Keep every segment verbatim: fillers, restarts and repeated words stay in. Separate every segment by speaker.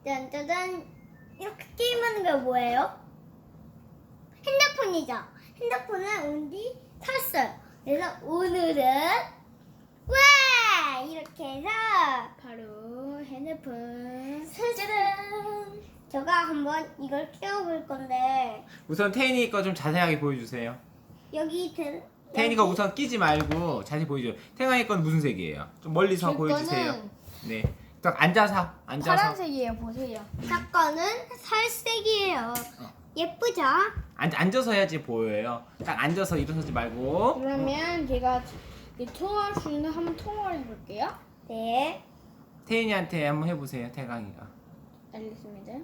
Speaker 1: 짠짜잔. 이렇게 게임하는 게 뭐예요? 핸드폰이죠. 핸드폰을 온디 샀어요. 그래서 오늘은 와 이렇게 해서
Speaker 2: 바로 핸드폰.
Speaker 1: 짜잔. 제가 한번 이걸 끼워볼 건데
Speaker 3: 우선 태인이 거 좀 자세하게 보여주세요.
Speaker 1: 여기 들
Speaker 3: 태인이가
Speaker 1: 여기
Speaker 3: 우선 끼지 말고 자세히 보여줘요. 태인이 건 무슨 색이에요? 좀 멀리서
Speaker 2: 제
Speaker 3: 보여주세요.
Speaker 2: 거는
Speaker 3: 네. 딱 앉아서 앉아서.
Speaker 2: 파란색이에요. 보세요.
Speaker 1: 사건은 살색이에요. 예쁘죠?
Speaker 3: 앉, 앉아서 해야지 보여요. 딱 앉아서 일어서지 말고.
Speaker 2: 그러면 제가 이 통화할 수 있는 한번 통화를 해볼게요.
Speaker 1: 네.
Speaker 3: 태인이한테 한번 해보세요. 태강이가.
Speaker 2: 알겠습니다.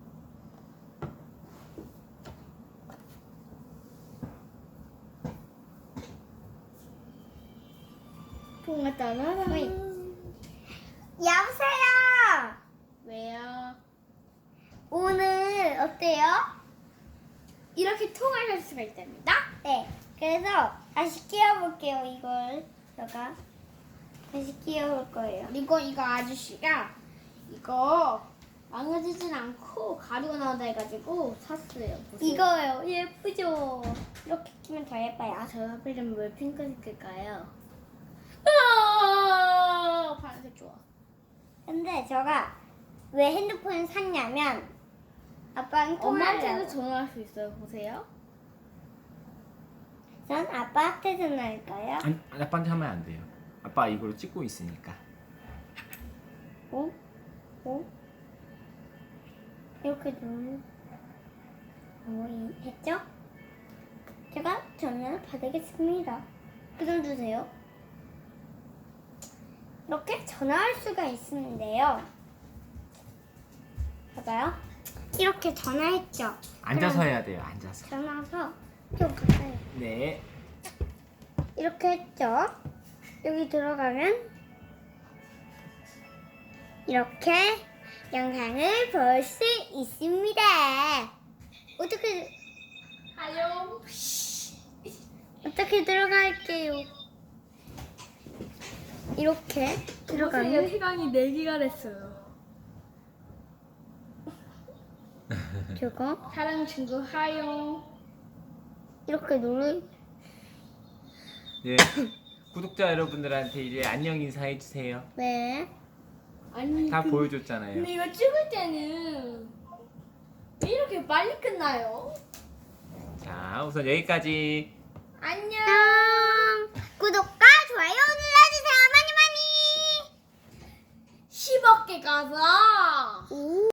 Speaker 2: 통화 따라라.
Speaker 1: 어이. 여보세요.
Speaker 2: 왜요?
Speaker 1: 오늘 어때요?
Speaker 2: 이렇게 통화를 할 수가 있답니다.
Speaker 1: 네. 그래서 다시 끼워볼게요. 이걸 제가 다시 끼워볼 거예요.
Speaker 2: 그리고 이거 아저씨가 이거 망가지진 않고 가리고 나온다 해가지고 샀어요. 보세요.
Speaker 1: 이거요. 예쁘죠? 이렇게 끼면 더 예뻐요.
Speaker 2: 저 하필이면 왜 핑크색일까요? 아, 파란색 좋아.
Speaker 1: 근데 제가 왜 핸드폰을 샀냐면 아빠랑
Speaker 2: 엄마한테도
Speaker 1: 통화하려고.
Speaker 2: 전화할 수 있어요. 보세요.
Speaker 1: 전 아빠한테 전화할까요?
Speaker 3: 안, 아빠한테 하면 안 돼요. 아빠 이걸로 찍고 있으니까.
Speaker 1: 어? 어? 이렇게 누르 어, 이- 했죠? 제가 전화를 받으겠습니다. 끊어주세요. 이렇게 전화할 수가 있는데요. 봐봐요. 이렇게 전화했죠.
Speaker 3: 앉아서
Speaker 1: 그럼
Speaker 3: 해야 돼요. 앉아서.
Speaker 1: 전화서 좀 가까이
Speaker 3: 네.
Speaker 1: 이렇게 했죠. 여기 들어가면 이렇게 영상을 볼 수 있습니다. 어떻게
Speaker 2: 하요.
Speaker 1: 어떻게 들어갈게요? 이렇게 들어가면
Speaker 2: 해강이 네 개가 됐어요.
Speaker 1: 저거
Speaker 2: 사랑 친구 하요.
Speaker 1: 이렇게 누르
Speaker 3: 네. 구독자 여러분들한테 이제 안녕 인사해 주세요.
Speaker 1: 네.
Speaker 2: 아니
Speaker 3: 다
Speaker 2: 근-
Speaker 3: 보여줬잖아요.
Speaker 2: 근데 이거 찍을 때는 왜 이렇게 빨리 끝나요?
Speaker 3: 자, 우선 여기까지.
Speaker 2: 안녕.
Speaker 1: 구독과 좋아요 눌러주세요. 많이 많이.
Speaker 2: 십억 개 가자.
Speaker 1: 오.